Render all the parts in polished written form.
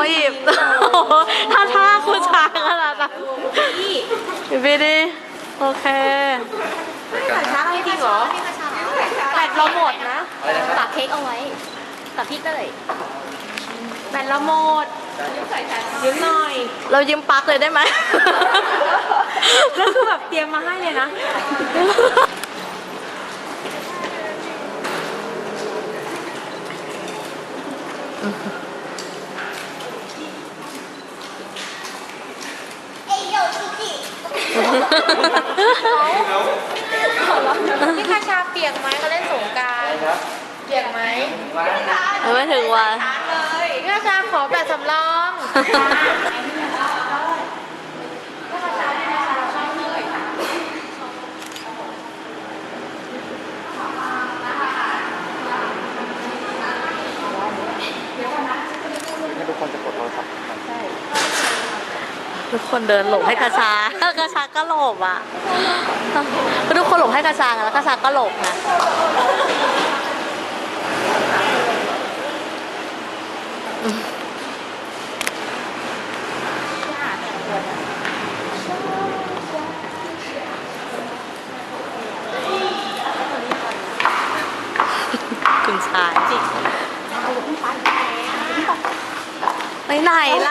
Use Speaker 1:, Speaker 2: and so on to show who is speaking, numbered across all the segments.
Speaker 1: หยิบท่าคุณช้างขนาดนั้นบีดีโอเคช้างจริงเหรอแบตเราหมดนะ
Speaker 2: ฝากเค้กเอาไว้ฝากพี่เต้ย
Speaker 1: แบตเราหมดยืมหน่อยเรายืมปลั๊กเลยได้ไหมแล้วคือแบบเตรียมมาให้เลยนะ
Speaker 3: พี่คาชาเปียกไหมเขาเล่นสงกรานต์เปียกไหม
Speaker 1: ไม่ถึงวัน
Speaker 3: พี่คาชาขอแบบสำรอง
Speaker 4: ทุกคนจะกดโทรศัพท์ใช่
Speaker 1: ทุกคนเดินหลบให้กระชากระชาก็หลบอ่ะทุกคนหลบให้กระชาแล้วกระชาก็หลบนะคุณชายไปไหนล่ะ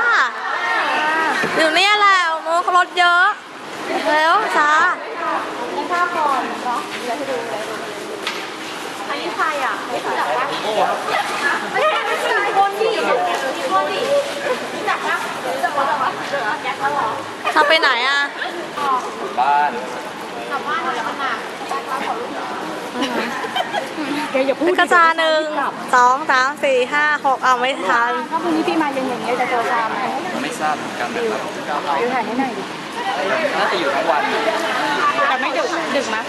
Speaker 1: อยู่นี่แหละมูรถเยอะแล้วช้า
Speaker 3: นี่ภาพก่อนเนาะเดี๋ยวให้ดูเลยอันนี้ใครอ่ะไม่รู้จักปะไม่ใช่คนดิคนดิรู้จักปะรู้จักปะแจ็คเขาหรอ
Speaker 1: ช้าไปไหนอ่ะ
Speaker 4: บ้าน
Speaker 3: กลับบ้านแล้วมาแจ็คเขาขอรูป
Speaker 1: แกอย่าพูดกระจา1 2 3 4 5 6เอาไม่ทัน
Speaker 3: ถ้าพรุ่งนี้พี่มาเย็นอย่างเงี้ยจะเจอชาไหม
Speaker 4: ไม่ทราบเหมือนกันนะครับ
Speaker 3: ดูถ่ายให้หน่อยดิ
Speaker 4: น่าจะอยู่ทั้งวัน
Speaker 3: แต่ไม่ดึกมั้ย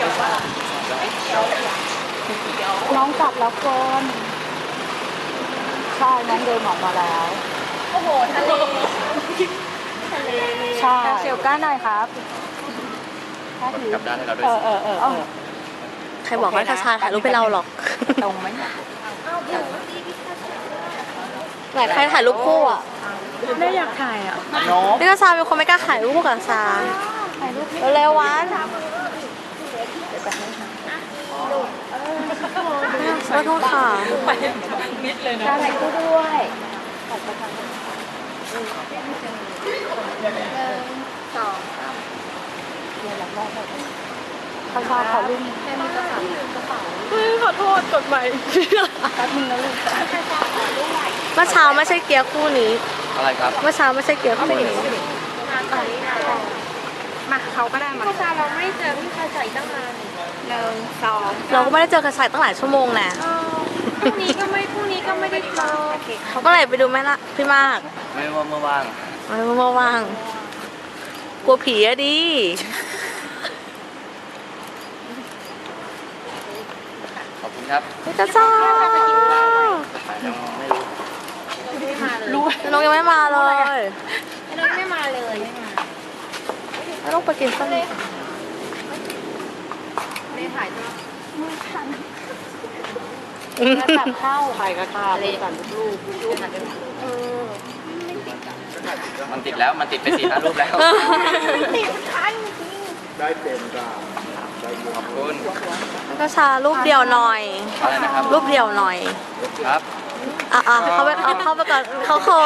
Speaker 3: น้องกลับแล้วก่อนใช่น้องเดินออกมาแล้วโอ้โหทะเลใช่เชียวก้าหน่อยครับ
Speaker 4: กลับด้านให้เราด้วย
Speaker 1: ใครบอกว่ากระชาถ่ายรูปให้เราหรอก
Speaker 3: ตรงไหม
Speaker 1: ไหนใครถ่ายรูปคู่อ่ะ
Speaker 3: ไม่อยากถ่ายอ่ะ
Speaker 1: นี่กระชาเป็นคนไม่กล้าถ่ายรูปกับกระชาเร็วๆวันขอโทษค่ะ
Speaker 3: ไปนิดเลยนะถ่ายคู่ด้วยเขาชอบเขาลุ่มแค่มีกระเป๋า
Speaker 1: ขอโทษกดใหม่
Speaker 3: แป๊บนึงนะลูก
Speaker 1: เมื่อเช้าไม่ใช่เกียร์คู่นี้
Speaker 4: อะไรครับ
Speaker 1: เมื่อเช้าไม่ใช่เกียร์คู่นี้
Speaker 3: มาเขาก็ได้มาพี่คาเราไม่เจอพี่คาใส่ตั้งนาน1 2
Speaker 1: เราก็ไม่ได้เจอกระชายตั้งหลายชั่วโมงแน่
Speaker 3: พรุ่งนี้ก็ไม่ได้เจอ
Speaker 1: เขาก็เลยไปดูไหมล่ะพี่มาก
Speaker 4: ไม่ว่าเมื่อว่าง
Speaker 1: ว่างกลัวผีอะดิ
Speaker 4: ขอบคุณครับ
Speaker 1: กระจ้า
Speaker 3: รู้
Speaker 1: น้องยังไม่มาเลย
Speaker 3: น้องไม่มาเลย
Speaker 1: ไม่ต้องไปกินข้าวเลย
Speaker 3: ไม่ถ่ายด้วย
Speaker 1: ตัดข้าว
Speaker 3: ถ่ายกระทาเลยก่อนลูก
Speaker 4: มันติดแล้วมันติดไป4-5 รูปแล้ว
Speaker 3: ติดทัน
Speaker 4: ได้เต็มจ้าขอบคุณ
Speaker 1: กระชารูปเดียวหน่อย
Speaker 4: อะไรนะครับ
Speaker 1: รูปเดียวหน่อย
Speaker 4: ครับ
Speaker 1: เขาไปเข้าไปก่อนเขาเขิ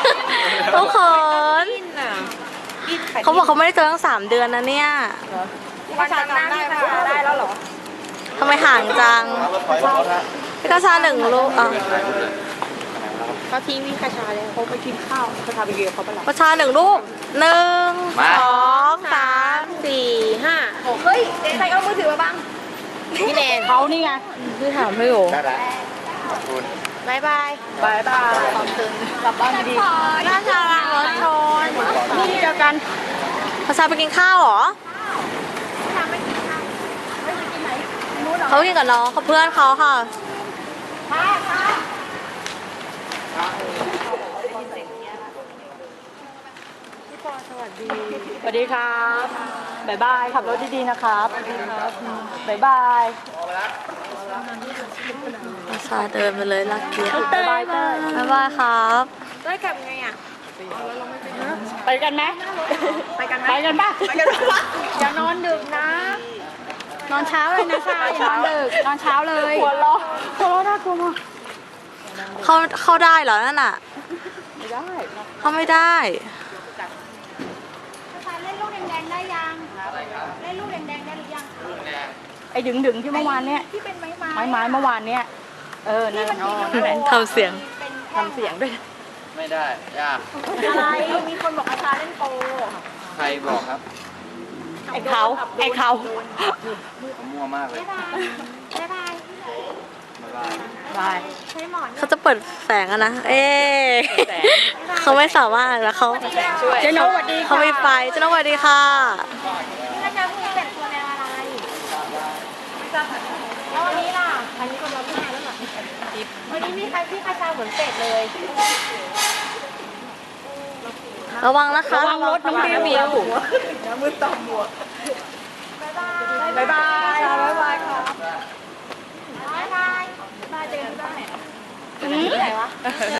Speaker 1: นเขาบอกเขาไม่ได้เจอตั้ง3 เดือนนะเนี่ย
Speaker 3: วันจำได้แล้วเหรอ
Speaker 1: ทำไมห่างจังพี่กระชา1 รูป
Speaker 3: เขาทิ้งพี่คาชาเลยเขาไปกินข้าวคาชาไปเกี่ยวเขาไปหรอก
Speaker 1: ระชา1 รูป1 2 3 4 5
Speaker 3: 6เฮ้ยใครเอามือถือมาบ้างพี่แนนเขานี่ไง
Speaker 1: พี่ถามให้อยู่
Speaker 4: ได้แล้วขอบคุณ
Speaker 3: บายขอบคุณกลับบ้านดี
Speaker 1: กระชาล้างรถชน
Speaker 3: นี่เจอกัน
Speaker 1: กระชาไปกินข้าวเหรอเขากินกับน้องเขาเพื่อนเขาค่ะ
Speaker 3: สวัสดีครับบ๊ายบายขับรถดีๆนะครับบ๊ายบาย
Speaker 1: ชาเดินไปเลยลักเกียร์
Speaker 3: บ๊ายบาย
Speaker 1: ครับ
Speaker 3: ได้กลับไงอ่ะ
Speaker 1: ไปกันไหม
Speaker 3: ไปกันไหม
Speaker 1: ไปกันป่ะ
Speaker 3: ไปกันปะอย่านอนดึกนะ นอนเช้าเลยนะชาอย่านอนดึก นอนเช้าเลย
Speaker 1: หัวเราะน่ากลัวมาก
Speaker 5: เข้าได้เหรอนั่นอ่ะ
Speaker 1: ไม่ได้
Speaker 5: เข้าไม่ได้
Speaker 3: ชาเล่นลูกแดงๆได้ยัง เล่นลูกแดงๆได้หรือยัง
Speaker 1: ไอ้ดึงที่เมื่อวานเนี่ย
Speaker 3: ที่เป็นไม้
Speaker 1: ไม้เมื่อวานเนี่ยนั่นแหละ
Speaker 5: ทำเสียง
Speaker 1: ทำเสียงด้วย
Speaker 4: ไม่ได้ยาก
Speaker 3: อะไร มีคนบอกอาชาเล่นโป
Speaker 4: ใครบอกครับ
Speaker 1: ไอ้เขา
Speaker 4: มั่วมากเลย
Speaker 3: บ๊ายบาย
Speaker 1: บาย
Speaker 3: ใช้หมอน
Speaker 5: เขาจะเปิดแสงอะนะ เอ๊ะเขาไม่สามารถแล้วเขา
Speaker 1: เจ๊นกสวัสดี
Speaker 5: เขาไม่ไฟเจ้าน้องสวัสดีค่ะ
Speaker 3: พี่จะพูดเป็นตัวแนวอะไรแล้ววันนี้ล่ะอันนี้คนเราไม่มาแล้วเหรอวันนี้มีใครพี่คาชาเหมือนเป็ดเลย
Speaker 5: ระวังนะคะ
Speaker 1: ระวังรถน้องบิว
Speaker 3: บ๊ายบายบ๊ายบายค่ะบ๊ายบายบ๊ายบายเจอกันที่บ้านไหนไหนวะ